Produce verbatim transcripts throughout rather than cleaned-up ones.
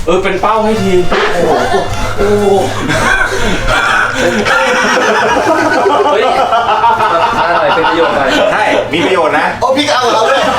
เออเป็นเป้าให้ทีโอ้โหโอ้โหเฮ้ยอร่อยเป็นประโยชน์หน่อยใช่มีประโยชน์นะโอ้พี่เอาเราเลย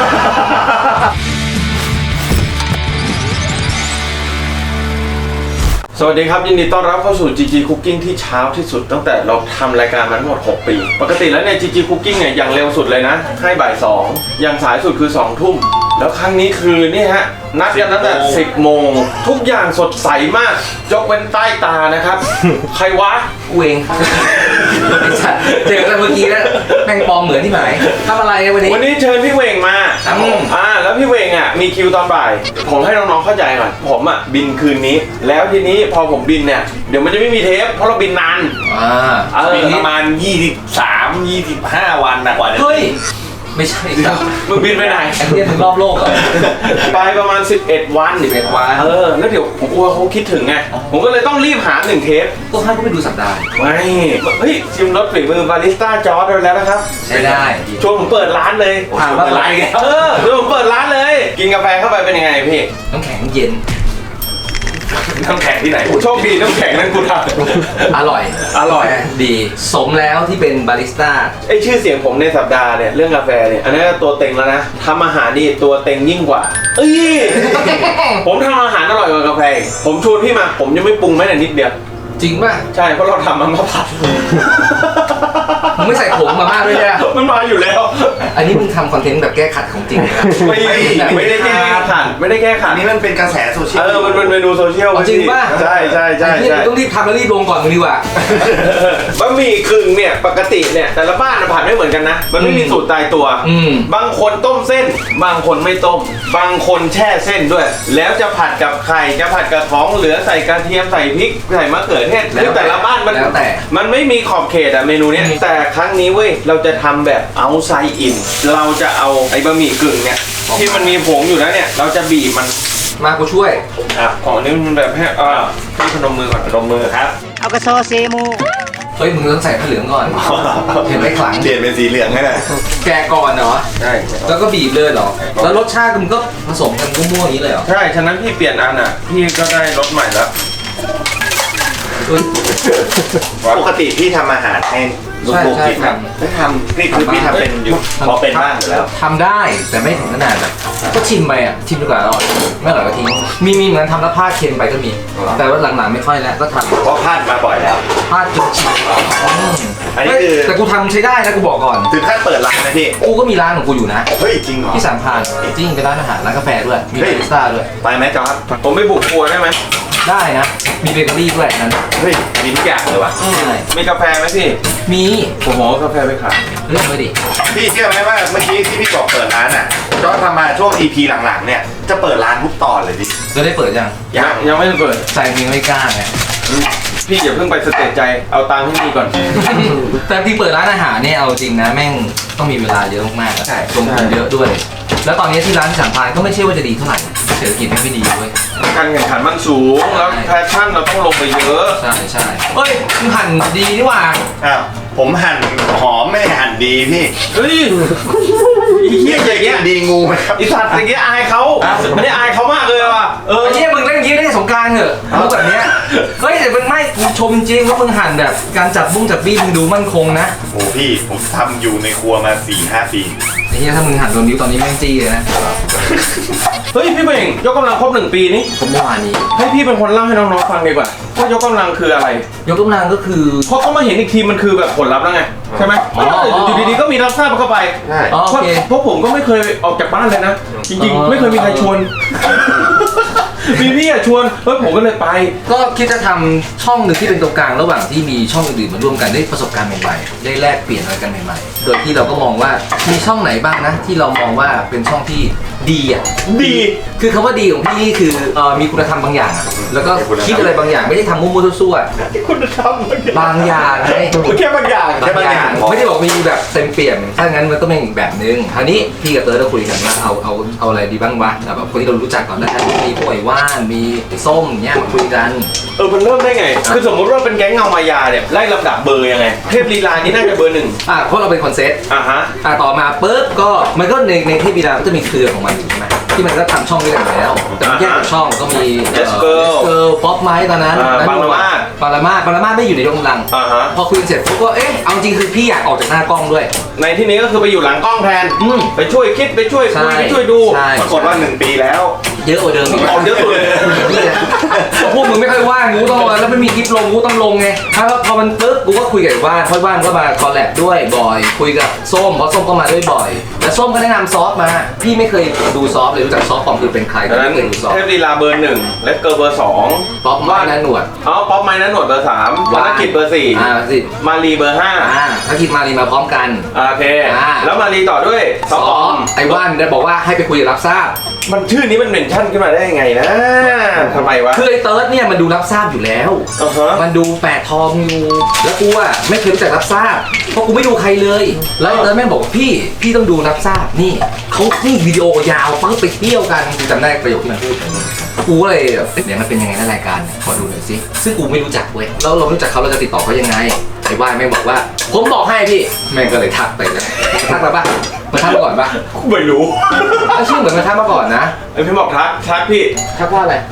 สวัสดีครับยินดีต้อนรับเข้าสู่ จี จี Cooking ที่เช้าที่สุดตั้งแต่เราทำรายการมาทั้งหมดหกปีปกติแล้วเนี่ย จี จี Cooking เนี่ยอย่างเร็วสุดเลยนะให้บ่ายสองอย่างสายสุดคือสองทุ่มแล้วครั้งนี้คือนี่ฮะนัดกันตั้งแต่สิบโมงทุกอย่างสดใสมากยกเว้นใต้ตานะครับ ใครวะกูเองเจอกันเมื่อกี้แล้วแม่งปลอมเหมือนที่ไหนทำอะไรวันนี้วันนี้เชิญพี่เวงมาครับผมอ่าแล้วพี่เวงอ่ะมีคิวตอนบ่ายผมให้น้องๆเข้าใจก่อนผมอ่ะบินคืนนี้แล้วทีนี้พอผมบินเนี่ยเดี๋ยวมันจะไม่มีเทปเพราะเราบินนานอ่าบินประมาณยี่สิบสาม ยี่สิบห้าวันนะกว่าจะเฮ้ยไม่ใช่ครับมึงบินไปไหนไอ้เรื่องถึงรอบโลกเหรอไปประมาณสิบเอ็ดวันสิบเอ็ดวันเออแล้วเดี๋ยวผมกลัวเขาคิดถึงไงผมก็เลยต้องรีบหาหนึ่งเทปต้องให้เขาไปดูสัปดาห์ไม่เฮ้ยชิมรสฝีมือบาริสต้าจอร์ดแล้วนะครับใช่ได้ชวนผมเปิดร้านเลยถามว่าอะไรกันเออชวนผมเปิดร้านเลยกินกาแฟเข้าไปเป็นยังไงพี่น้ำแข็งเย็นน้ำแข็งที่ไหนโชคดีน้ำแข็งนั้นกูทำอร่อยอร่อยดีสมแล้วที่เป็นบาริสต้าไอชื่อเสียงผมในสัปดาห์เนี่ยเรื่องกาแฟเนี่ยอันนี้ตัวเต็งแล้วนะทำอาหารนี่ตัวเต็งยิ่งกว่าเอ้ย ผมทำอาหารอร่อยกว่ากาแฟผมชวนพี่มาผมยังไม่ปรุงแม้แต่นิดเดียวจริงป่ะใช่เพราะเราทำมันมาผัดมึงไม่ใส่ผงมาม่าด้วยใช่ไหมมันมาอยู่แล้วอันนี้มึงทำคอนเทนต์แบบแก้ขัดของจริงนะไม่ไม่ได้แก้ขัดไม่ได้แก้ขัดนี่มันเป็นกระแสโซเชียลเออมันเป็นเมนูโซเชียลจริงป่ะใช่ใช่ใช่ใช่ต้องรีบทำแล้วรีบลงก่อนมึงดีกว่าบะหมี่กึ่งเนี่ยปกติเนี่ยแต่ละบ้านผัดไม่เหมือนกันนะมันไม่มีสูตรตายตัวบางคนต้มเส้นบางคนไม่ต้มบางคนแช่เส้นด้วยแล้วจะผัดกับไข่จะผัดกับท้องเหลือใส่กระเทียมใส่พริกใส่มะเขือเทศคือแต่ละบ้านมันมันไม่มีขอบเขตอะเมนูเนี้ยแต่ครั้งนี้เว้ยเราจะทำแบบเอาไซอินเราจะเอาไอ้บะหมี่กึ่งเนี่ยที่มันมีผงอยู่แล้วเนี่ยเราจะบีบมันมากูช่วยอ่ะของนี้มันแบบให้อ่าให้พนมมือก่อนพนมมือครับเอากระโซเซมูเฮ้ยมึงต้องใส่ผ้าเหลืองก่อนเห็นไหมขลังเปลี่ยนเป็นสีเหลืองให้หน่อยแกก่อนเหรอใช่แล้วก็บีบเลยเหรอแล้วรสชาติมึงก็ผสมกันมั่วๆอย่างนี้เลยเหรอใช่ฉะนั้นพี่เปลี่ยนอันอ่ะพี่ก็ได้รสใหม่แล้วปกติพี่ทำอาหารให้ลูกๆกินครับไม่ทำนี่คือพี่ทำเป็นอยู่พอเป็นบ้างอยู่แล้วทำได้แต่ไม่ถึงขนาดแบบก็ชิมไปอ่ะชิมดีกว่าอร่อยไม่อร่อยก็ทิ้งมีมีเหมือนทำแล้วพลาดเค็มไปก็มีแต่ว่าหลังๆไม่ค่อยแล้วก็ทำเพราะพลาดมาบ่อยแล้วพลาดจนชิมอันนี้คือแต่กูทำใช้ได้นะกูบอกก่อนถึงขั้นเปิดร้านนะพี่กูก็มีร้านของกูอยู่นะเฮ้ยจริงเหรอที่สามพานจริงเป็นร้านอาหารร้านกาแฟด้วยมีบาริสต้าด้วยไปไหมจอร์จผมไม่บุกครัวได้ไหมได้นะมีเบเกอรี่ด้วยนั่นเฮ้ยมีทุกอย่างเลยว่ะมีกาแฟไหมพี่มีผมบอกกาแฟไปขายเรื่องไม่ดิพี่เชื่อไหมว่าเมื่อกี้ที่พี่บอกเปิดร้านอ่ะจอร์จทำมาช่วง อี พี หลังๆเนี่ยจะเปิดร้านทุกตอนเลยดิจะได้เปิดยังยังยังไม่ได้เปิดใจมึงไม่กล้าไงพี่อย่าเพิ่งไปสเตจใจเอาตังค์ให้ดีก่อนแต่ที่เปิดร้านอาหารเนี่ยเอาจริงนะแม่งต้องมีเวลาเยอะมากๆใช่ลงทุนเยอะด้วยแล้วตอนนี้ที่ร้านที่สามพานก็ไม่ใช่ว่าจะดีเท่าไหร่เศรษฐกิจไม่ดีด้วยการแข่งขันมันสูงแล้วแพชชั่นเราต้องลงไปเยอะใช่ใช่เฮ้ยมึงหั่นดีนี่หว่าอ้าวผมหั่นหอมไม่หั่นดีพี่เฮ้ยอีเหี้ยอย่างเงี้ยดีงูไหมครับอีสัตว์อย่างเงี้ยอายเขาไม่ได้อายเขามากเลยว่ะเออไอ้เหี้ยมึงเล่นยิ้มได้สงการเหรอมุกแบบเนี้ยเฮ้ยแต่มึงไม่กูชมจริงว่ามึงหั่นแบบการจับบุ้งจับบี้มึงดูมั่นคงนะโอ้พี่ผมทำอยู่ในครัวมา สี่ห้า ปีไอ้เหี้ยถ้ามึงหั่นโดนนิ้วตอนนี้แม่งจี้เลยนะเฮ้ยพี่เบ่งยกกำลังครบหนึ่งปีนี้ผมเมื่อวานนี้ให้พี่เป็นคนเล่าให้น้องๆฟังดีกว่าว่ายกกำลังคืออะไรยกกำลังก็คือเพราะเขามาเห็นอีกทีมันคือแบบผลลัพธ์แล้วไงใช่ไหมอยู่ดีๆก็มีรับทราบเข้าไปใช่เพราะผมก็ไม่เคยออกจากบ้านเลยนะจริงๆไม่เคยมีใครชวนมีพี่อะชวนเฮ้ยผมก็เลยไปก็คิดจะทำช่องหนึ่งที่เป็นตรงกลางระหว่างที่มีช่องอื่นๆมาร่วมกันได้ประสบการณ์ใหม่ๆได้แลกเปลี่ยนอะไรกันใหม่ๆโดยที่เราก็มองว่ามีช่องไหนบ้างนะที่เรามองว่าเป็นช่องที่ดีอ่ะดีคือคำว่าดีของพี่คือเอ่อมีคุณธรรมบางอย่างอะแล้วก็คิดอะไรบางอย่างไม่ได้ทำมั่วๆซั่วๆคุณธรรมบางอย่างไงแค่บางอย่างแค่บางอย่างไม่ได้บอกมีแบบเต็มเปี่ยมถ้างั้นมันต้องเป็นอีกแบบนึงคราวนี้พี่กับเตอร์เราคุยกันว่าเอาเอาเอาอะไรดีบ้างวะแบบคนที่เรารู้จักก่อนแล้วกันมีพวกไอ้ว่านมีส้มเนี่ยมาคุยกันเออมันเริ่มได้ไงคือสมมติว่าเป็นแก๊งเงามายาเนี่ยไล่ลำดับเบอร์ยังไงเทพลีลานี่น่าจะเบอร์หนึ่งอ่ะเพราะเราเป็นคอนเซ็ปต์อ่ะฮะอ่ะต่อมาปุ๊บก็มันก็ในในเทพลีลาก็จะมีเครือของมันอยู่ใช่ไหมที่มันก็ทำช่องด้วยกันอยู่แล้วแต่มันแยกกับช่องก็มี Let's Girl เกิร์ลป๊อปไม้ตอนนั้นอ่าปารามาสปารามาสปารามาสไม่อยู่ในยกกำลังอ่าฮะพอคุยเสร็จปุ๊บก็เอ๊ะเอาจริงคือพี่อยากออกจากหน้ากล้องด้วยในที่นี้ก็คือไปอยู่หลังกล้องแทนอืมไปช่วยคิดไปช่วยคุยใช่ไปช่วยดูใช่ปรากฏว่าหนึ่งปีแล้วเยอะกว่าเดิมอีกออกเยอะสุดเลยพวกมึงไม่ค่อยว่างกูต้องแล้วไม่มีคลิปลงกูต้องลงไงถ้าพอมันปึ๊บกูก็คุยกับไอ้ว่านเพราะว่านก็มาคอลแลบด้วยบ่อยคุยกับส้มเพราะส้มก็มาด้วยบ่อยแล้วส้มก็แนะนำซอฟมาพี่ไม่เคยดูซอฟเลยรู้จักซอฟปอมคือเป็นใครก็ดังนั้นไม่เคยดูซอฟเทพลีลาเบอร์หนึ่งเลสเกอร์เบอร์สองป๊อปว่านั้นหนวดอ๋อป๊อปไม้นั้นหนวดเบอร์สามวานกิจเบอร์สี่อ่าสิมารีเบอร์ห้าอ่าถ้าคิดมารีมาพร้อมกันโอเคอ่าแล้วมารีต่อด้วยซซออฟออฟมไอ้ว่านได้บอกว่าให้ไปคุยกับรับทราบมันชื่อนี้มันเมนชั่นขึ้นมาได้ยังไงนะทำไมวะคือไอ้เติร์ดเนี่ยมันดูรับทราบอยู่แล้วอ่าฮะมันดูแปดทองอยู่แล้วกูอ่ะไม่เคยรู้จักรับทราบเพราะกูไม่ดูใครเลย แล้วไอ้เติร์ดแม่งบอกว่าพี่พี่ต้องดูรับทราบนี่เขานี่วิดีโอยาวปั๊บไปเที่ยวกันกูจำได้ประโยคที่มันพูดกูก็เลยแบบเดี๋ยวมันเป็นยังไงนะรายการเนี่ยขอดูหน่อยสิซึ่งกูไม่รู้จักเว้ยแล้วเราไม่รู้จักเขาเราจะติดต่อเขายังไงไอ้ว่านแม่งบอกว่าผมบอกให้พี่แม่งก็เลยทักไปเลยทักมาป่ะมาทักมาก่อนป่ะไม่รู้ก็ชื่อเหมือนมาทักมาก่อนนะไอพี่บอกทักทักพี่ทักว่าอะไร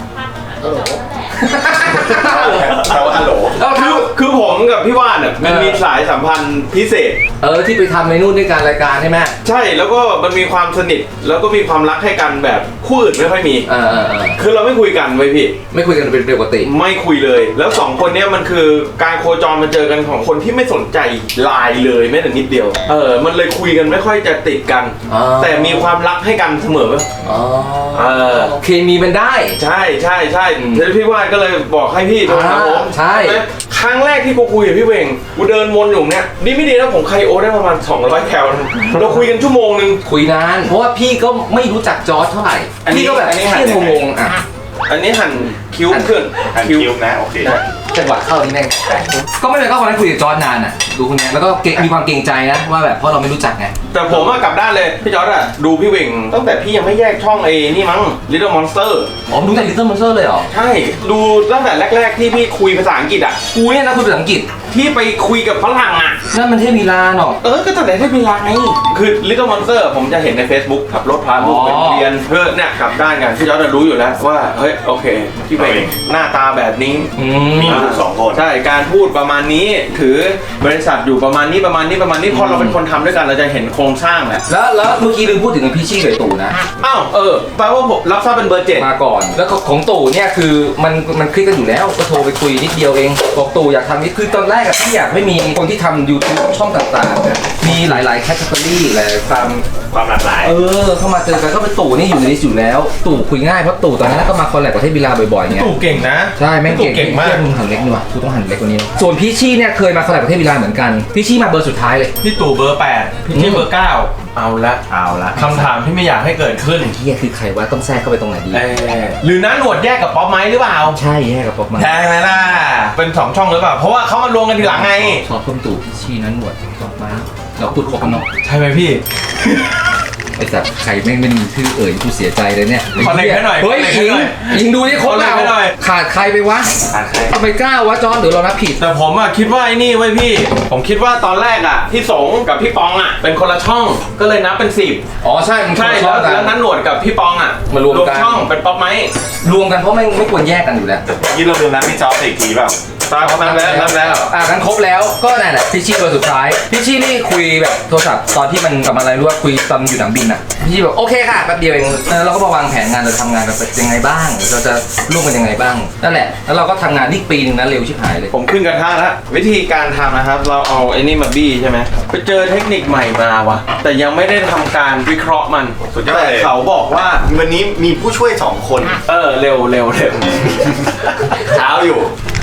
แปลว่าฮัลโหลแล้วคืทัอก คือผมกับพี่ว่านอ่ะมันเออมีสายสัมพันธ์พิเศษเออที่ไปทำในนู่นด้วยการรายการใช่ไหมใช่แล้วก็มันมีความสนิทแล้วก็มีความรักให้กันแบบคู่อื่นไม่ค่อยมีเออเออเออคือเราไม่คุยกันไว้ยพี่ไม่คุยกันเป็นปกติไม่คุยเลย แล้วสองคนเนี้ยมันคือการโคจรมาเจอกันของคนที่ไม่สนใจไลน์เลยแม้แต่นิดเดียว เออ มันเลยคุยกันไม่ค่อยจะติดกันอ๋อแต่มีความรักให้กันเสมออ๋อเออเคมีมันได้ใช่ใช่ใช่อืมแล้วพี่ว่านก็เลยบอกให้พี่โทรหาผมใช่ไหมครั้งแรกที่กูคุยกับพี่เวงกูเดินวนอยู่เนี่ยนี่ไม่ดีนะผมไคโอได้ประมาณสองร้อยแคลนะเราคุยกันชั่วโมงนึงคุยนาน เพราะว่าพี่ก็ไม่รู้จักจอร์จเท่าไหร่อันนี้พี่ก็แบบอันนี้เที่ยงงๆอ่ะอันนี้หั่นคิ้วหั่นขึ้นอันคิวนะโอเคจังหวะเข้านี่แม่งก็ไม่เลยก็วันนั้นคุยกับจอร์จนานอ่ะดูคนเนี้ยแล้วก็เกรงมีความเกรงใจนะว่าแบบเพราะเราไม่รู้จักไงแต่ผมอะกลับด้านเลยพี่จอร์ดอะดูพี่เวงตั้งแต่พี่ยังไม่แยกช่องไอ้นี่มั้ง Little Monster อ๋อดูจากลิตเติ้ลมอนสเตอร์เลยเหรอใช่ดูตั้งแต่แรก ๆ ที่พี่คุยภาษาอังกฤษอะกูเนี่ยนะคุยภาษาอังกฤษที่ไปคุยกับฝรั่งอะนั่นมันเทพมีลาเนาะเออก็ตั้งแต่ที่เป็นไลน์คือ Little Monster ผมจะเห็นใน Facebook ขับรถพาลูกไปอ๋อเรียนเพื่อเนี่ยกลับด้านกันพี่จอร์ดจะรู้อยู่แล้วว่าเฮ้ยโอเคพี่เวงหน้าตาแบบนี้อืมีมลูกสองคนใช่การพูดประมาณนี้ถือบริษัทอยู่ประมาณนี้ประมาณนี้ประมาณนี้พอเราเป็นคนทำด้วยกันเราจะเห็นโครงสร้างแหละแล้วแล้วเมื่อกี้ลืมพูดถึงพี่ชี่กับตู่นะอ้าวเออแปลว่าผมรับทราบเป็นเบอร์เจ็ดมาก่อน แล้วก็ของตู่เนี่ยคือมันมันคลิกกันอยู่แล้วก็โทรไปคุยนิดเดียวเองบอกตู่อยากทำนี่คือตอนแรกอะที่อยากให้มีคนที่ทำ YouTube ช่องต่างๆอะมีหลายๆแคตตาล็อหลายๆความความหลากหลายเออเข้ามาเจอกันก็เป็นตู่นี่อยู่ในลิสต์อยู่แล้ว ตู่คุยง่ายเพราะตู่ตอนนั้นก็มาคอลแลบกับเทพบิลาบ่อยๆไงตู่เก่งนะใช่แม่งเก่งตู่เก่งมากเทียบมึงหันเล็กนี่วะกูต้องหันเล็กกว่านี้ส่วนพี่ชี่เนี่ยเคยมาคอลแลบกับเทพบิลาเหมือนกันพี่ชี่มาเบอร์สุดท้ายเลยพี่ตู่เบอร์แปดพี่อืที่มเบอร์เก้าเอาละเอาละคำถามที่ไม่อยากให้เกิดขึ้นเฮียคือใครวะต้องแทรกเข้าไปตรงไหนดีเออหรือน้าหนวดแยกกับป๊อปไม้หรือเปล่าใช่แย่กับป๊อปมาใช่ไหมล่ะเป็นสองช่องหรือเปล่าเพราะว่าเขามารวมกันทีหลังไงชอบเพิ่มตู่พี่ชี่นั้นหนวดป๊อปมาเราพูดครบกันเนาะใช่ไหมพี่ไอ้สัตว์ใครแม่งไม่มีชื่อเอ่ยกูเสียใจเลยเนี่ยขอเล็กให้หน่อยเฮ้ยขอเล็กยิให้งหน่อยยิงดูนี่ครบขอเล็แล้กวให้หน่อยขาดใครไปวะอ่านใครทำไมกล้าวะจอนหรือเรานับผิดแต่ผมอะคิดว่าไอ้นี่ไว้ยพี่ ผมคิดว่าตอนแรกอะพี่สงกับพี่ปองอะเป็นคนละช่องก็เลยนับเป็นสิบอ๋อใช่มันใช่ชแล้อวบกันแล้วนั้นหนวดกับพี่ปองอะมารวมกันช่องเป็นป๊อปไม้รวมกันเพราะไม่ไม่ควรแยกกันอยู่แล้วยี่เราลืมนัดพี่จ๊อบอีกทีเปล่าตามนับแล้วนับแล้วอ่ะกันครบแล้วก็นั่นแหละพี่ชี่ตัวสุดท้ายพี่ชี่นี่คุยแบบโทรศัพท์ตอนที่มันกลับมาอะไรรู้ว่าคุยตอนอยู่หนังบินอ่ะพี่ชี่บอกโอเคค่ะแป๊บเดียวเองเออเราก็มาวางแผนงานเราทำงานกันเป็นยังไงบ้างเราจะร่วมกันยังไงบ้างนั่นแหละแล้วเราก็ทำงานนี่ปีนึงนะเร็วชิบหายเลยผมขึ้นกระทะแล้ววิธีการทำนะครับ เราเอาไอ้นี่มาบี้ใช่ไหมไปเจอเทคนิคใหม่มาว่ะ แต่ยังไม่ได้ทำการวิเคราะห์มันสุดยอดแต่เลยเขาบอกว่าวันนี้มีผู้ช่วยสองคนเออเร็วเร็วเร็วเช้าอยู่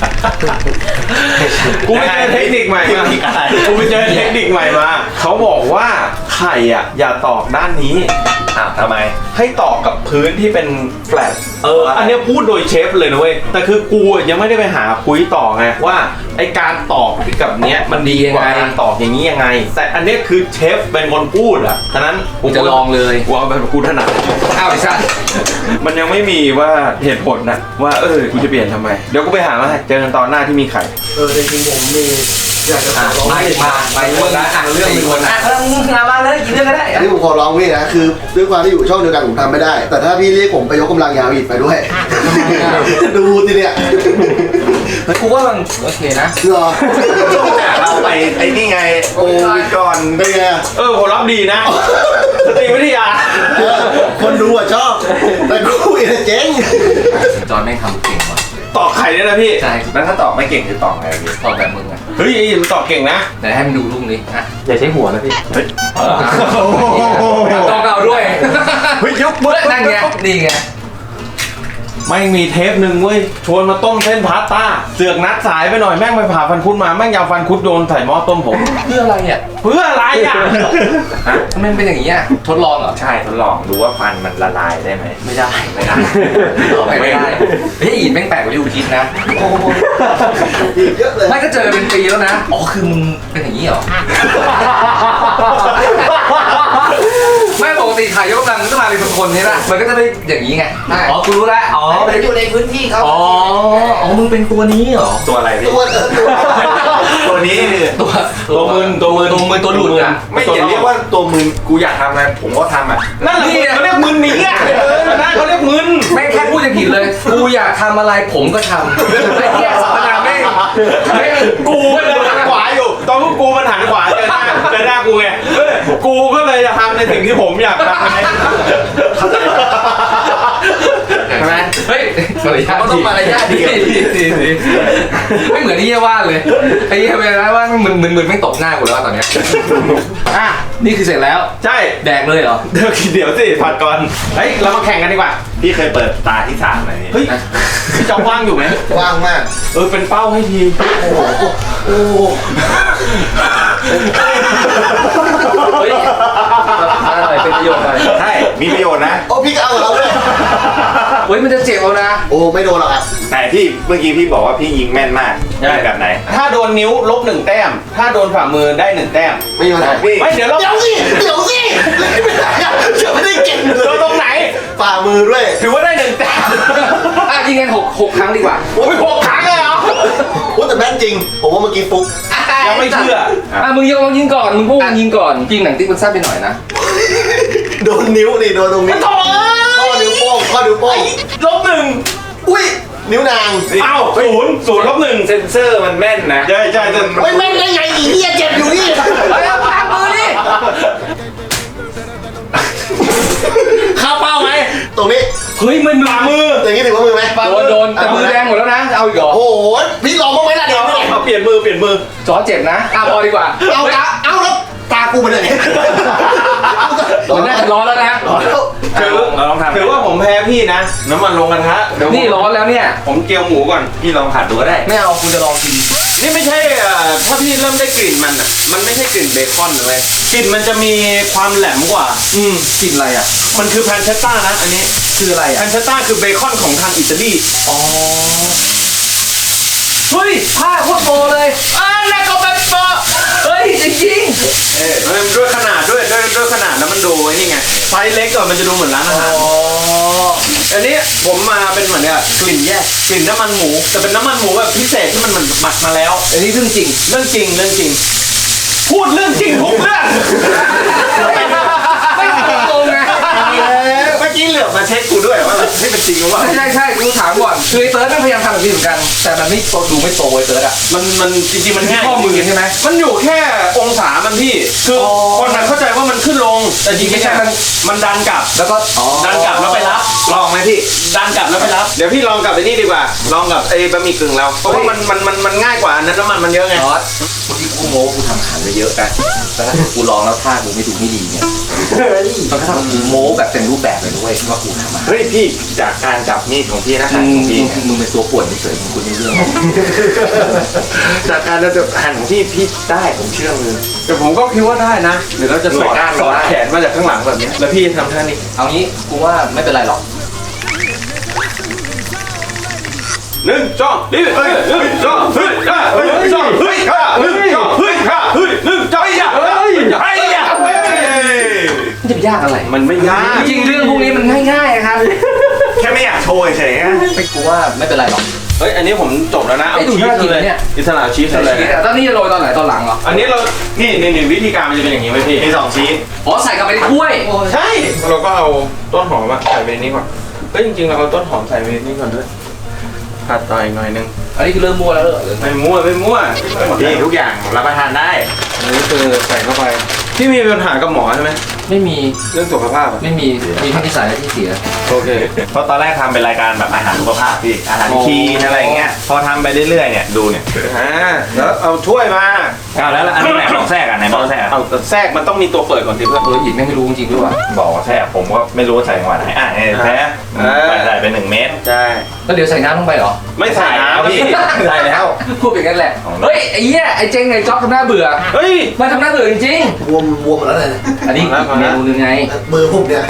กูไปเจอเทคนิคใหม่มาเทคนิคอะไรกูไปเจอเทคนิคใหม่มาเขาบอกว่าไข่อ่ะอย่าตอกด้านนี้อ้าวทำไมให้ตอกกับพื้นที่เป็นแฟลตเอออันเนี้ยพูดโดยเชฟเลยนะเว้ยแต่คือกูอะยังไม่ได้ไปหาคุยต่อไงว่าไอการตอกกับเนี้ยมันดีกว่าการตอกอย่างนี้ยังไง แต่อันเนี้ยคือเชฟเป็นคนพูดอ่ะฉะนั้นกูจะลองเลยกูเอาแบบกูถนัดอ้าวไอ้สัสมันยังไม่มีว่าเหตุผลนะว่าเออกูจะเปลี่ยนทำไมเดี๋ยวกูไปหามาให้เจอกันตอนหน้าที่มีไข่เออจริงๆผมมีอยากจะขอร้องมาพี่มามาอีกคนละอ่ะเรื่องอีกคนอ่ะแล้วมึงเอามาเลยกี่เรื่องก็ได้อันนี้ผมขอร้องพี่นะคือด้วยความที่อยู่ช่องเดียวกันผมทำไม่ได้ แต่ถ้าพี่เรียกผมไปยกกำลังยาวอีกไปด้วยดูทีเนี่ยกูว่ามันโอเคนะเหรอเราไปไอ้นี่ไงโอ้ยก่อนเป็นไงเออผมรับดีนะสตรีวิทยาเออคนดูอ่ะชอบแต่กูเองเจ๊งจอนแม่งทำเก่งว่ะตอกไข่ด้วยนะพี่ใช่แล้วถ้าตอบไม่เก่งคือตอบไงพี่ตอบแบบมึงอ่ะเฮ้ยมันตอกเก่งนะไหนให้มันดูลูกนี้อ่ะอย่าใช้หัวนะพี่เฮ้ยต้องเอาด้วยเฮ้ยยกเมื่อนั่นไงนี่ไงไม่งมีเทปหนึ่งเว้ยชวนมาต้มเส้นพาสต้าเสือกนัดสายไปหน่อยแม่งไปผ่าฟันคุดมาแม่งยาวฟันคุดโดนใส่หม้อต้มผมเพื่ออะไรอ่ะเพื่ออะไรอ่ะฮะทำไมมันเป็นอย่างนี้อ่ะทดลองเหรอใช่ทดลองดูว่าฟันมันละลายได้ไหมไม่ได้ไม่ได้ไม่ได้เฮ้ยอีแม่งแปลกกว่าที่กูคิดนะอีกเยอะเลยไม่ก็เจอเป็นปีแล้วนะอ๋อคือมึงเป็นอย่างนี้เหรอไม่ปกติถ่ายยกกำลังมันก็มาเป็นคนๆใช่ไหมมันก็จะได้อย่างนี้ไงอ๋อกูรู้แล้วอ๋อมันอยู่ในพื้นที่เขาอ๋ออ๋อมึงเป็นตัวนี้เหรอตัวอะไรพี่ตัวเออตัวตัวนี้คือตัวตัวมึนตัวมึนตัวมึนตัวหลุดอ่ะไม่อย่าเรียกว่าตัวมึนกูอยากทำอะไรผมก็ทำอ่ะนั่นแหละเขาเรียกมึนหนีอ่ะเออนั่นเขาเรียกมึนไม่แค่พูดจะผิดเลย กูอยากทำอะไรผมก็ทำไอ้เหี้ยสัปดาห์แม่งแม่งกูก็เลยหันขวาอยู่ ตอนพวกกูมันหันขวาเจอหน้าเจอหน้ากูไงเออกูก็เลยจะทำในสิ่งที่ผมอยากทำไงใช่ไหมเฮ้ยมารยาทต้องมารยาทดีไม่เหมือนไอ้เหี้ยว่าเลยไอ้เหี้ยเวลาว่ามึนมึนมึนไม่ตบหน้ากูแล้วตอนเนี้ยอ่ะนี่คือเสร็จแล้วใช่แดกเลยเหรอเดี๋ยวเดี๋ยวสิผัดก่อนเฮ้ยเรามาแข่งกันดีกว่าพี่เคยเปิดตาที่สามไหมพี่เฮ้ยพี่จอมว่างอยู่ไหมว่างมากเออเป็นเป้าให้ทีโอ้โหโอ้โหเฮ้ยอะไรเป็นประโยชน์อะไรใช่มีประโยชน์นะโอ้พี่ก็เอากับเราด้วยเฮ้ยมันจะเจ็บเอานะโอ้ไม่โดนหรอกอ่ะแต่พี่เมื่อกี้พี่บอกว่าพี่ยิงแม่นมากยิงแบบไหนถ้าโดนนิ้วลบหนึ่งแต้ม ถ้าโดนฝ่ามือได้หนึ่งแต้มไม่มีปัญหาพี่ไม่เดี๋ยวเราเดี๋ยวสิเดี๋ยวสิไม่ได้อะเดี๋ยวไม่ได้เก่งเลโดนยตรงไหนฝ่ามือด้วยถือว่าได้หนึ่งแต้มอ่ะยิงกันหกหกครั้งดีกว่าโอ้ยหกครั้งเลยเหรอโอ้แต่แม่นจริง ผมว่าเมื่อกี้ฟุกยังไม่เชื่ออ่ะมึงยกลองยิงก่อนมึงพูดมึงยิงก่อนยิงหนังติ๊กมันสั้นไปหน่อยนะโดนนิ้วนี่โดนตรงนี้โถ่ข้อนิ้วโป้งข้อนิ้วโป้งลบหนึ่งอุ้ยนิ้วนางเอ้าศูนย์ศูนย์ลบหนึ่งเซนเซอร์มันแม่นนะใช่ใช่ใช่ไม่แม่นได้ไงอีเหี้ยเจ็บอยู่นี่เฮ้ยเอาปากมือดิเข้าเป้าไหมตรงนี้เฮ้ยมันฝ่ามืออย่างนี้ถือว่ามือไหมโดนโดนแต่มือแดงหมดแล้วนะจะเอาอีกเหรอโอ้โหพี่ลองบ้างไหมล่ะเดี๋ยวเอาเอาเปลี่ยนมือเปลี่ยนมือจอเจ็บนะอ่ะพอดีกว่าเอาตาเอาแล้วตากูไปเลยมันน่าจะร้อนแล้วนะถือเราลองทำถือว่าผมแพ้พี่นะ น้ำมันลงกระทะเดี๋ยวผมนี่ร้อนแล้วเนี่ยผมเกี๊ยวหมูก่อนพี่ลองผัดดูก็ได้ไม่เอาคุณจะลองกินนี่ไม่ใช่อ่าถ้าพี่เริ่มได้กลิ่นมันอ่ะ มันไม่ใช่กลิ่นเบคอนเลยกลิ่นมันจะมีความแหลมกว่าอืมกลิ่นอะไรอ่ะมันคือแพนเชตต้านะ อันนี้คืออะไรแพอ่ะนเชตต้าคือเบคอนของทางอิตาลีอ๋อเฮ้ยผ้าโคตรโตเลยอ่าแล้วก็แบบโตเฮ้ยจริงเออมันด้วยขนาดด้วยด้วยด้วยขนาดแล้วมันดูไอ้นี่ไงไซส์เล็กก่อนมันจะดูเหมือนร้านอาหารอ๋ออันนี้ผมมาเป็นเหมือนเนี่ยกลิ่นแยกกลิ่นน้ำมันหมู แต่เป็นน้ำมันหมูแบบพิเศษที่มันหมักมาแล้วอันนี้เรื่องจริงเรื่องจริงเรื่องจริง พูดเรื่องจริงทุกเรื่องไม่ตรงไงเมื่อกี้เหลือบมาเช็คกูด้วยว่าให้เป็นจริงหรือเปล่าใช่ใช่กูถามก่อนคือไอ้เติร์ดแม่งพยายามทำแบบนี้เหมือนกัน แต่มันไม่โตดูไม่โตไอ้เติร์ดอ่ะมันมันจริงๆมันง่ายข้อมือใช่ไหมมันอยู่แค่องศามันพี่ คือออคนมันเข้าใจว่ามันขึ้นลง แต่จริงๆไม่ใช่มันมันดันกลับแล้วก็อ๋อดันกลับแล้วไปรับ ลองไหมพี่ ดันกลับแล้วไปรับ เดี๋ยวพี่ลองกับไอ้นี่ดีกว่า ลองกับไอ้บะหมี่กึ่งเรา เพราะว่ามันมันมันมันง่ายกว่าอันนั้นน้ำมันมันเยอะไงจอร์ดเมื่อกี้กูโม้กูทำอาหารไปเยอะกันแต่ถ้ากูลองแล้วท่ากูไม่ดูไม่ดีเนี่ยมันก็ทำกูโม้แบบเต็มรูปแบบเลยด้วยว่ากูทำอาหารเฮ้ยพี่จากการจับมีดของพี่นะหั่นของพี่เนี่ยมึงเป็นตัวป่วนเฉยๆมึงคุณไม่เรื่องจากการจับหั่นของพี่พี่ได้ผมเชื่อมือแต่ผมก็คิดว่าได้นะ เดี๋ยวเราจะสอดหน่วยก้านสอดได้แขนมาจากข้างหลังแบบเนี้ยแล้วพี่ทำท่านี้เอางี้กูว่าไม่เป็นไรหรอกหนึ่งสองนี่เฮ้ยหนึ่งสองเฮ้ยห้าเฮ้ยสองเฮ้ยห้าหนึ่งสองเฮ้ยห้าเฮ้ยหนึ่งสองเฮ้ยเฮ้ยเฮ้ยมันจะไปยากอะไรมันไม่ยากจริงๆเรื่องพวกนี้มันง่ายๆครับแค่ไม่อยากโชว์เฉยๆนะไม่กูว่าไม่เป็นไรหรอกเฮ้ยอันนี้ผมจบแล้วนะเอาไอ้ดูชีสน่ากินเลยเนี่ยอิสระชีสเลยตอนนี้จะโรยตอนไหนตอนหลังเหรออันนี้เรานี่นี่นี่วิธีการมันจะเป็นอย่างนี้ไหมพี่มีสองชีสอ๋อใส่กลับไปในถ้วยใช่เราก็เอาต้นหอมอะใส่ไปในนี้ก่อนเฮ้ยจริงๆเราเอาต้นหอมใส่ไปในนี้ก่อนด้วยผัดต่ออีกหน่อยนึงอันนี้คือเริ่มมั่วแล้วเหรอไม่มั่วไม่มั่วนี่ทุกอย่างรับประทานได้อันนี้คือใส่เข้าไปพี่มีปัญหากับหมอใช่ไหมไม่มีเรื่องสุขภาพอะไม่มีมีแค่ที่ใส่และที่เสียโอเคเพราะตอนแรกทำเป็นรายการแบบอาหารสุขภาพพี่อาหารคลีนอะไรอย่างเงี้ยพอทำไปเรื่อยๆเนี่ยดูเนี่ยอ่าแล้วเอาถ้วยมาเอาแล้วอันนี้ไหนบอกแทรกอ่ะไหนบอกแทรกเอาแต่แทรกมันต้องมีตัวเปิดก่อนสิเพื่อนเออหยิบไม่รู้จริงๆด้วยว่ะบอกว่าแทรกผมก็ไม่รู้ว่าใส่จังหวะไหนอ่ะเนี่ยแท้ใส่ใส่ไปหนึ่งเม็ดใช่แล้วเดี๋ยวใส่น้ำลงไปเหรอไม่ใส่น้ำพี่ใส่แล้วพูดเป็นกันแหละเฮ้ยไอ้เหี้ยไอ้เจ๊งไอ้จ๊อบทำหน้าเบื่อเฮ้ยมันทำหน้าเบื่อจริงบวมบวมหมดแล้วเลยๆอันนี้เอาละเอาเมละนูนึงไงมือผมเนี่ย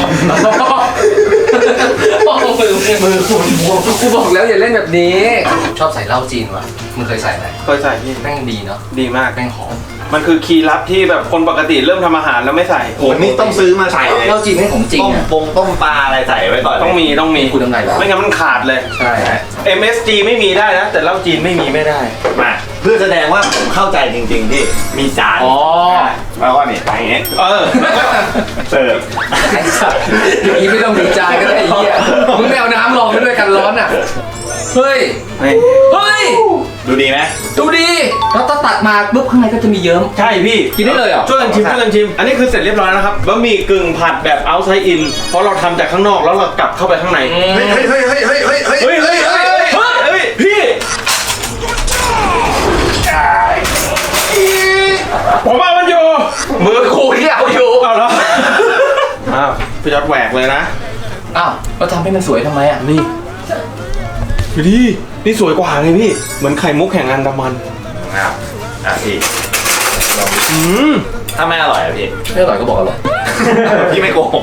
มือมือมือคุณบวมกูบอกแล้วอย่าเล่นแบบนี้ ชอบใส่เหล้าจีนวะมึงเคยใส่ไหมเคยใส่พี่แม่งดีเนาะดีมากแม่งหอมมันคือคีย์ลับที่แบบคนปกติเริ่มทำอาหารแล้วไม่ใส่ผมนี่ต้องซื้อมาใส่เลยเหล้าจีนไม่ของจริงต้มอ่ะปงต้มปลาอะไรใส่ไว้ก่อนเลยต้องมีต้องมีคุณทำไงเหรอไม่งั้นมันขาดเลยใช่เอ็ม เอส จี ไม่มีได้นะ แต่เหล้าจีนไม่มีไม่ได้มาเพื่อแสดงว่าผมเข้าใจจริงๆที่มีจานอ๋อแล้วก็นี่อย่างเงี้ยเออเสิร์ฟไอ้สัตว์อย่างนี้ไม่ต้องมีจานก็ได้ไอ้เหี้ยมึงไม่เอาน้ำรองไปด้วยกันร้อนอ่ะเฮ้ยไม่เฮ้ยดูดีไหมดูดีแล้วถ้าตัดมาปุ๊บข้างในก็จะมีเยิ้มใช่พี่กินได้เลยเหรอช่วยกันชิมช่วยกันชิม อันนี้คือเสร็จเรียบร้อยแล้วครับบะหมี่กึ่งผัดแบบ outside in เพราะเราทำจากข้างนอกแล้วเรากลับเข้าไปข้างในอืมเฮ้ยเฮ้ยเฮ้ยเฮ้ยเฮ้ยเฮ้ยเฮ้ยเฮ้ยเฮ้ยเฮ้ยเฮ้ยพี่ผมเอามันอยู่มือกูที่เอาอยู่เอาแล้วอ้าวพี่ยอดแหวกเลยนะอ้าวแล้วทำให้มันสวยทำไมอ่ะนี่ดูดินี่สวยกว่าไงพี่ เหมือนไข่มุกแห่งอันดามันอ้าวอ่ะพี่อืมถ้าไม่อร่อยอ่ะพี่ไม่อร่อยก็บอกอร่อยพี่ไม่โกหก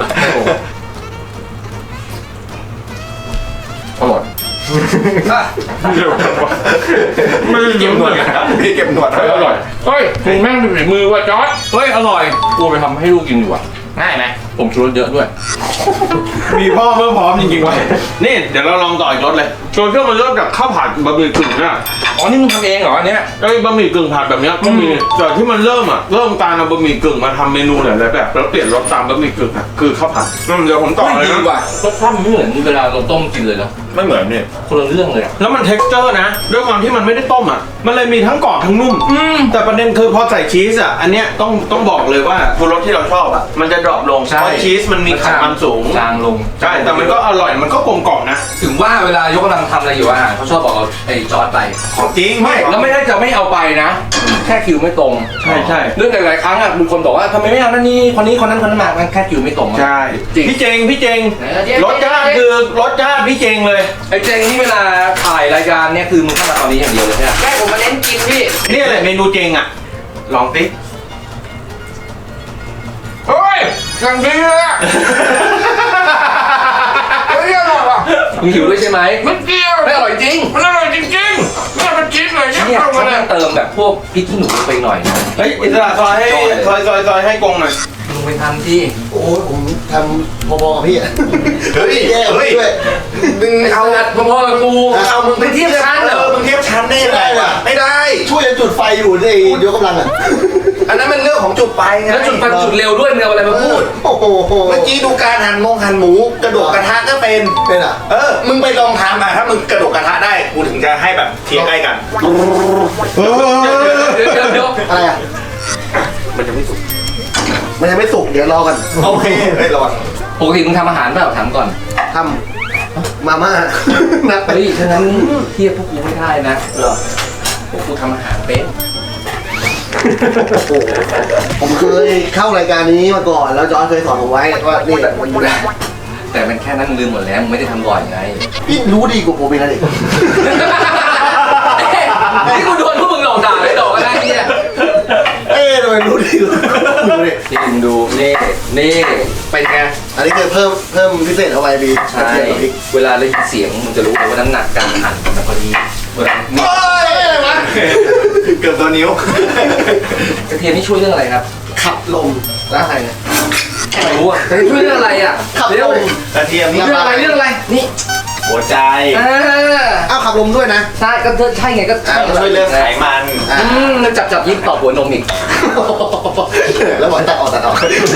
อร่อยเร็วจังวะไม่ได้เก็บหนวดกันครับพี่เก็บหนวดเฮ้ยอร่อยเฮ้ยมึงแม่งดูฝีมือว่ะจอร์ดเฮ้ยอร่อยกูไปทำให้ลูกกินดีกว่าง่ายไหมผมชูรสเยอะด้วยมีพ่อเมื่อพร้อมจริงๆวะนี่เดี๋ยวเราลองต่ออีกรสเลยส่วนเครื่องมันเริ่มจากข้าวผัดบะหมี่กึ่งเนี่ยอ๋อนี่มึงทำเองเหรออันเนี้ยไอ้บะหมี่กึ่งผัดแบบเนี้ยก็มีแต่ที่มันเริ่มอ่ะเริ่มการเอาบะหมี่กึ่งมาทำเมนูหลายๆแบบแล้วเปลี่ยนรสตามบะหมี่กึ่งอ่ะคือข้าวผัดอืมเดี๋ยวผมต่อเลยดีนะกว่ารสชาติมันไม่เหมือนเวลาเราต้มกินเลยเนาะไม่เหมือนนี่คนละเรื่องเลยอะแล้วมัน texture นะด้วยความที่มันไม่ได้ต้มอ่ะมันเลยมีทั้งกรอบทั้งนุ่มแต่ประเด็นคือพอใส่ชีสอ่ะอันเนี้ยต้องต้องบอกเลยว่าตัวรสที่เราชอบอ่ะมันจะดรอปลงเพราะชีสมันมีไขมันสูงจางลงใช่แต่มันก็อร่อยมันก็กลมกล่อมนะถึงว่าเวลายกกำลังทำอะไรอยู่อาหารเขาชอบบอกเอาไอ้จอร์ดไปของจริงไม่แล้วไม่ได้จะไม่เอาไปนะ แค่คิวไม่ตรงใช่ใช่เรื่องหลายๆครั้งอ่ะมีคนบอกว่าทำไมไม่เอานั่นนี่คนนี้คนนั้นคนนั้นมามันแค่คิวไม่ตรงอะใช่จริงพี่เจงพี่เจงเออเจ๊รสชาติคือรสชาติพี่เจงเลยไอ้เจงนี่เวลาถ่ายรายการเนี่ยคือมึงเข้ามาตอนนี้อย่างเดียวเลยใช่ไหมแม่ผมมาเน้นกินพี่นี่แหละเมนูเจงอ่ะลองสิเฮ้ยกังดีเลยอะเฮ้ยอร่อยว่ะมึงหิวด้วยใช่ไหมมันเกี่ยวไม่อร่อยจริงมันอร่อยจริงๆเนี่ยมันชิ้นเลยเนี่ยเขาต้องเติมแบบพวกพริกขี้หนูลงไปหน่อยนะเฮ้ยอิสระซอยให้ซอยซอยซอยให้กงหน่อยมึงไปทำที่โอ้ยผมทำพอๆกับพี่อะเฮ้ยแย่กว่าเฮ้ยพี่ด้วยมึงเอาเอาอัดพอๆกับกูเอามึงไปเทียบชั้นเหรอมึงเทียบชั้นได้ยังไงวะไม่ได้ช่วยกันจุดไฟอยู่ในยกกำลังอ่ะอันนั้นมันเรื่องของจุดไปไงแล้วจุดไฟจุดเร็วด้วยมึงเอาอะไรมาพูดโอ้โหเมื่อกี้ดูการหั่นมงหั่นหมูกระโดดกระทะก็เป็นเป็นอ่ะเออ มึงไปลองทำอ่ะถ้ามึงกระโดดกระทะได้กูถึงจะให้แบบเทียบใกล้กันเดี๋ยวเดี๋ยวเดี๋ยวอะไรอ่ะมันจะไม่สุกมันยังไม่สุกเดี๋ยวรอกันโอเคเฮ้ยระวังปกติมึงทำอาหารเปล่าถามก่อนทำมาม่านักไปเฮ้ยฉะนั้นเทียบพวกกูไม่ได้นะเหรอพวกกูทำอาหารเป็นโอ้โหผมเคยเข้ารายการนี้มาก่อนแล้วจอร์จเคยสอนผมไว้ว่านี่มันอยู่นะแต่มันแค่นั้นมึงลืมหมดแล้วมึงไม่ได้ทำบ่อยไงพี่รู้ดีกว่าผมอีกนะเด็กนี่กูโดนพวกมึงหลอกด่าเลยหลอกอะไรเนี่ยเอ๊ะทำไมรู้ดีกว่าดูดินี่มึงดูนี่นี่เป็นไงอันนี้คือเพิ่มเพิ่มพิเศษเข้าไปพี่ใช่เวลาได้ยินเสียงมึงจะรู้เลยว่าน้ำหนักการหั่นมันพอดีเวลาโอ้ยอะไรวะเกือบตัวนิ้วกระเทียมนี่ช่วยเรื่องอะไรครับขับลมแล้วอะไรเนี่ยไม่รู้อ่ะกระเทียมช่วยเรื่องอะไรอ่ะขับเร็ลวมกระเทียมนี่เรื่องอะไรเรื่องอะไรนี่หัวใจอ่าอ้าวขับลมด้วยนะใช่ก็ใช่ไงก็ใช่ช่วยเรื่องไขมันอืมแล้วจับจับยิ้มตอบหัวนมอีกแล้วบอกตัดออกตัดออก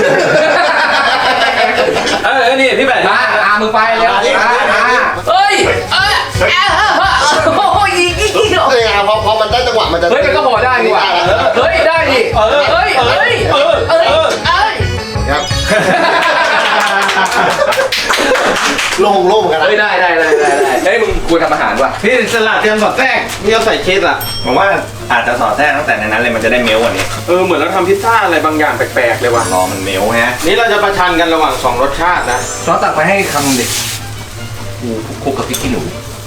เออนี่พี่แบดมาอามึงไปเร็วมามาเฮ้ยเอ้ยเอ้ยโอ้ยอีกอีกเฮ้ยพอพอมันได้จังหวะมันจะเฮ้ยมันก็พอได้นี่หว่าเฮ้ยได้ดิเออเฮ้ยเฮ้ยเออเออเอ้ยครับโล่งโล่งกันนะเฮ้ยได้ได้ได้ได้ได้เฮ้ยมึงควรทำอาหารว่ะพี่สลัดเตรียมสอดแทรกนี่เราใส่ชีสอ่ะผมว่าอาจจะสอดแทรกตั้งแต่ในนั้นเลยมันจะได้เมลกว่านี้เออเหมือนเราทำพิซซ่าอะไรบางอย่างแปลกๆเลยว่ะรอมันเมลฮะนี่เราจะประชันกันระหว่างสองรสชาตินะซอสตักไปให้คำเด็กกูคลุกกับพริกขี้หนู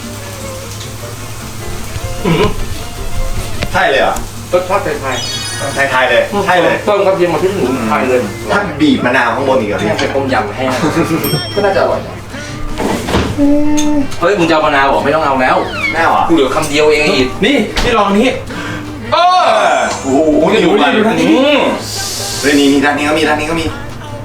ใช่เลยเหรอรสชาติไทยไทยๆเลยใช่เลยๆต้มกับเทียมกับพริกขี้หนูไทยเลยถ้าบีบมะนาวข้างบนอีกเหรอแห้พี่งเป็นต้มยำแห้งก็น่าจะอร่อยนะเฮ้ยมึงจะเอามะนาวเหรอไม่ต้องเอาแล้วแน่หรอกูเหลือคำเดียวเองอีกนี่พี่ลองนี้เออโอ้โหนี่ดูดิดูท่านนี้เฮ้ยนี่นี่ท่านนี้ก็มีท่านนี้ก็มี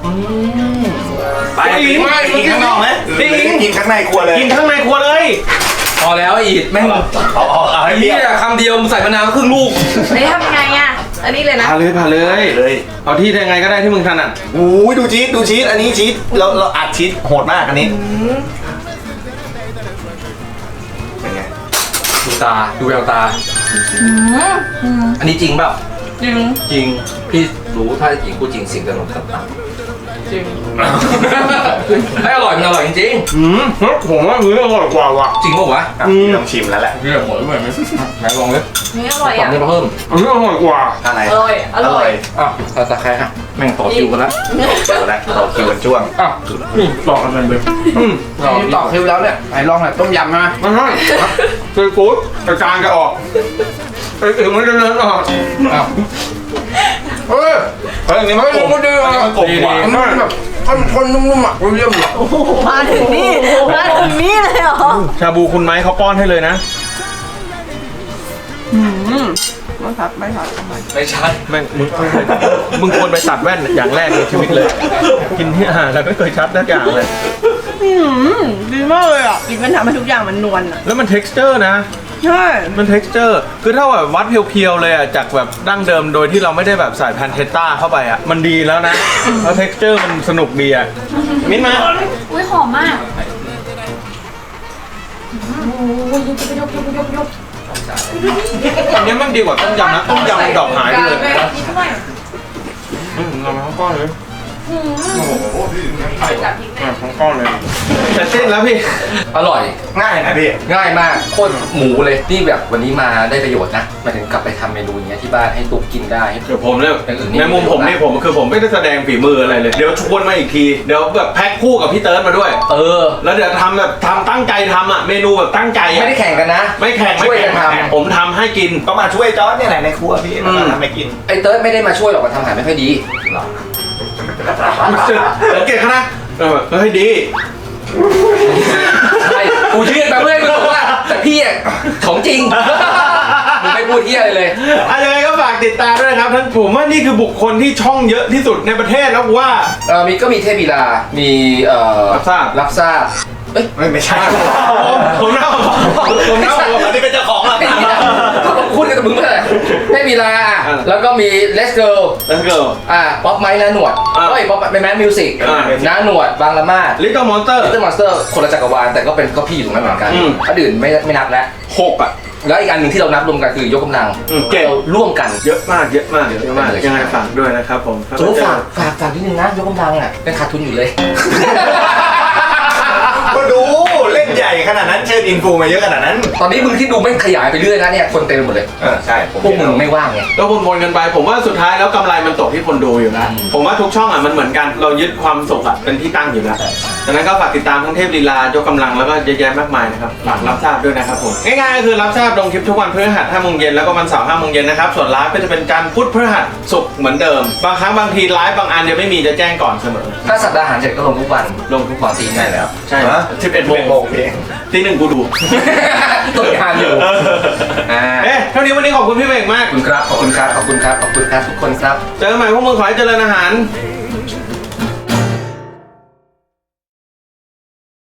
ไปกินกินข้างนอกไหมกินข้างในครัวเลยกินข้างในครัวเลยพอแล้วไอ้อีดแม่งเอาเอาเอาให้เปรี้เนี่ยวยคำเดียวมึงใส่มะนาวครึ่งลูกนี่ทำยังไงอ่ะ อันนี้เลยนะพาเลยพาเลยเลยเอาที่ยังไงก็ได้ที่มึงถนัดโอ้ยดูชีสดูชีสอันนี้ชีสเราเราอัดชีสโหดมากอันนี้เป็นไงดูตาดูแววตา อันนี้จริงเปล่าจริงจริงพี่รู้ถ้าจริงกูจริงสิ่งจะลงต่ำจริงๆให้อร่อยมันอร่อยจริงอืมผมว่ามืออร่อยกว่าว่ะๆจริงป่าวะอ่ะพี่ต้องชิมแล้วแหละพี่แบบหมดแล้วไหมไหนลองเลยนี่อร่อยตอบอ่ะนี่มาเพิ่มอันนี้อร่อยกว่าอะไรอร่อย อร่อยอ้าวตาตาใครฮะแม่งต่อคิวกันแล้วดูแลเราคิวกันช่วงอ้าวนี่ต่อกันเลยอืมต่อคิวแล้วเนี่ยไหนลองหน่อยต้มยำใช่ไหมไม่ใช่คือฟู้ดแต่จานจะออกไอ้อื่นมันจะเดินออกอ้าวเฮ้ยเฮ้ยอันนี้มันกลมมันดีอ่ะมันกลมกว่ามันแบบคนๆนุ่มๆอ่ะเยี่ยมเลยโอ้โห มาถึงนี่ มาถึงนี่เลยเหรอชาบูคุณไม้เขาป้อนให้เลยนะไม่ทัดไม่ทัดทำไมไม่ใช่แม่งมึงมึงควรไปตัดแว่นอย่างแรกในชีวิตเลย กินที่อาหารแล้วไม่เคยชัดสักอย่างเลยอืมดีมากเลยอ่ะกินมันทำให้ทุกอย่างมันนวลอ่ะแล้วมัน texture นะใช่มัน texture คือถ้าแบบวัดเพียวๆเลยอ่ะจากแบบดั้งเดิมโดยที่เราไม่ได้แบบใส่แพนเทตต้าเข้าไปอ่ะมันดีแล้วนะแล้ว texture มันสนุกดีอ่ะมิ้นมาอุ้ยหอมมากอันนี้มันดีกว่าต้มยำนะต้มยำมันดอกหายไปเลยนี่ด้วยอืมเรามาทั้งก้อนเลยจับพริกอ่ะทั้งก้อนเลยเสร็จสิ้นแล้วพี่อร่อยง่ายนะพี่ง่ายมากโคตรหมูเลยนี่แบบวันนี้มาได้ประโยชน์นะหมายถึงกลับไปทำเมนูอย่างเงี้ยที่บ้านให้ตุ๊กกินได้ให้เดี๋ยวผมเนี่ยอย่างอื่นนี่ในมุมผมนี่ผมคือผมไม่ได้แสดงฝีมืออะไรเลย เดี๋ยวชวนมาอีกที เดี๋ยวแบบแพ็คคู่กับพี่เติร์ดมาด้วยเออแล้วเดี๋ยวทำแบบทำตั้งใจทำอ่ะ เมนูแบบตั้งใจไม่อ่ะได้แข่งกันนะไม่แข่งไม่ช่วยกัแข่นงทำผมทำให้กินก็มาช่วยจอร์ดเนี่ยแหละในครัวพี่แล้วก็ทำให้กินไอ้เติร์ดไม่ได้มาช่วยหรอกมาทำอาหารไม่ค่อยดีสังเกตเขานะเออเฮ้ยดีใช่กูยืนไปเพื่อให้มึงบอกว่าแต่พี่อ่ะของจริงมึงไม่พูดเที่ยอะไรเลยอะยังไงก็ฝากติดตามด้วยนะครับท่านผมว่านี่คือบุคคลที่ช่องเยอะที่สุดในประเทศแล้วว่าเออมีก็มีเทพบีลา มีเอ่อรับทราบรับทราบเอ้ยไม่ไม่ใช่ผมเล่าผมเล่าอันนี้เป็นเจ้าของเหรอไม่มีนะเขาก็พูดกันกับมึงเมื่อไหร่เทพบีลา แล้วก็มีเลสเกิล Let's go อ่าป๊อปไม้น้าหนวดอ่าเอ้ยป๊อปแมนมิวสิกอ่าน้าหนวดบางละมาด Little Monster ลิตเติ้ลมอนสเตอร์คนละจักรวาลแต่ก็เป็นก็พี่อยู่ตรงนั้นเหมือนกันอืมอันอื่นไม่ไม่นับแล้วหกอ่ะแล้วอีกอันหนึ่งที่เรานับรวมกันคือยกกำลังอืมเก่งเราร่วมกันเยอะมากเยอะมากเยอะมากยังไงฝากด้วยนะครับผมโจ้ฝากฝากฝากนิดนึงนะยกกำลังอ่ะเป็นขาดทุนอยู่เลยก็ดูเล่นใหญ่ขนาดนั้นเชิญอินฟูมาเยอะขนาดนั้นตอนนี้มึงที่ดูไม่ขยายไปเรื่อยนะเนี่ยคนเต็มไปหมดเลยเออใช่ผมพวกมึงไม่ว่างไงก็วนๆกันไป ผมว่าสุดท้ายแล้วกำไรมันตกที่คนดูอยู่แล้วอืมผมว่าทุกช่องอ่ะมันเหมือนกันเรายึดความสุขอ่ะเป็นที่ตั้งอยู่แล้วดังนั้นก็ฝากติดตามทั้งเทพลีลายกกำลังแล้วก็เยอะแยะมากมายนะครับฝากรับทราบด้วยนะครับผมง่ายๆก็คือรับทราบลงคลิปทุกวันพฤหัสห้าโมงเย็นแล้วก็วันเสาร์ห้าโมงเย็นนะครับส่วนไลฟ์ก็จะเป็นการพุธพฤหัสศุกร์เหมือนเดิมบางครั้งบางทีไลฟ์บางอันยังไม่มีจะแจ้งก่อนเสมอถ้าสัปดาห์อาหารเสร็จก็ลงทุกวันลงทุกวันตีง่ายแล้วใช่สิบเอ็ดโมงโมงพี่ตีหนึ่งกูดูต้นทานอยู่อ่าเอ๊ะเท่านี้วันนี้ขอบคุณพี่เบกมากขอบคุณครับขอบคุณครับขอบคุณครับขอบคุณครับทุกคนครับเจอกันใหม่พวกมึงขอให้เจริญอาหารค